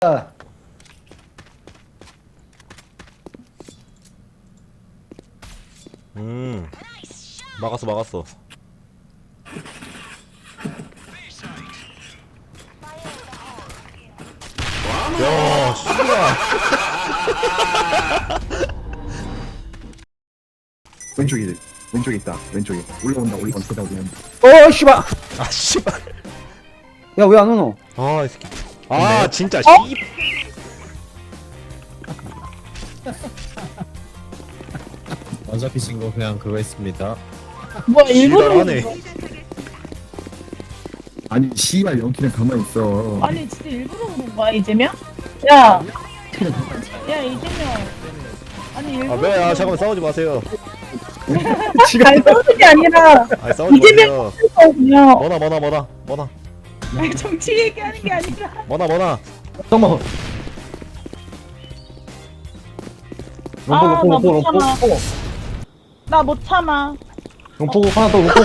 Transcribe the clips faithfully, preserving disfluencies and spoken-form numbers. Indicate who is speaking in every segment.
Speaker 1: 음 막았어 막았어. 야 씨발.
Speaker 2: 왼쪽이 왼쪽에 있다. 왼쪽에 올라온다. 올라온다. 올라온다.
Speaker 3: 어 씨발.
Speaker 1: 아 씨발.
Speaker 3: 야 왜 안 오노?
Speaker 1: 아이 새끼. 아 진짜 씨.
Speaker 4: 어차피 친구 그냥 그거 했습니다.
Speaker 5: 뭐 일부러
Speaker 1: 지랄하네.
Speaker 2: 아니 씨발 영키는 가만히 있어.
Speaker 5: 아니 진짜 일부러 그런 거야 이재명? 야, 야 이재명. 아니 일부러.
Speaker 1: 아 왜? 아 잠깐만 싸우지 마세요.
Speaker 5: 잘 싸우는 게 아니라
Speaker 1: 아 싸우지
Speaker 5: 이재명
Speaker 1: 마세요.
Speaker 5: 그냥
Speaker 1: 뭐나 뭐나 뭐나 뭐나
Speaker 5: 정치 얘기하는 게 아니라.
Speaker 1: 뭐나 뭐나.
Speaker 3: 잠깐만.
Speaker 5: 아,
Speaker 3: 롱포
Speaker 5: 나
Speaker 3: 롱포
Speaker 5: 못
Speaker 3: 롱포
Speaker 5: 참아.
Speaker 3: 롱포
Speaker 5: 나 못 참아.
Speaker 3: 롱포 하나 더 롱포.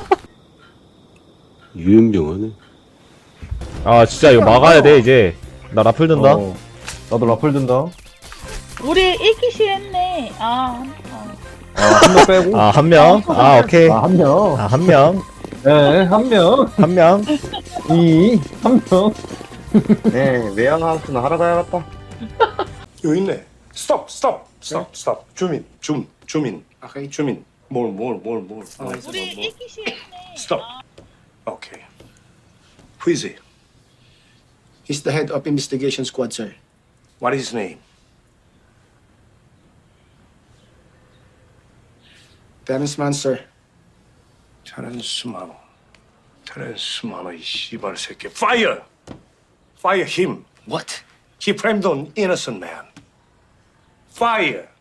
Speaker 6: 유연병하네.
Speaker 1: 아 진짜 이거 막아야 돼 이제. 나 라플 든다.
Speaker 3: 어, 나도 라플 든다.
Speaker 5: 우리 읽기 싫었네. 아, 아.
Speaker 3: 아한 명 빼고.
Speaker 1: 아 한 명. 아 오케이.
Speaker 3: 아 한 명.
Speaker 1: 아 한 명.
Speaker 3: 네, 한 명.
Speaker 1: 한 명.
Speaker 3: 이, 한 명.
Speaker 2: 네 외양하우스는 하러 가야겠다.
Speaker 7: 여기 있네. 스톱, 스톱, 스톱, 스톱. 주민, 줌, 주민. 오케이, 주민. 뭘, 뭘, 뭘, 뭘. 아,
Speaker 5: 우리
Speaker 7: 뭘.
Speaker 5: 읽기 싫었네.
Speaker 7: 스톱. 오케이. Who is he?
Speaker 8: He's the head of investigation squad, sir.
Speaker 7: What is his name?
Speaker 8: Terrence Mann, sir.
Speaker 7: 테렌스 마노. 테렌스 마노 이 씨발 새끼. Fire! Fire him.
Speaker 8: What?
Speaker 7: He framed an innocent man. Fire!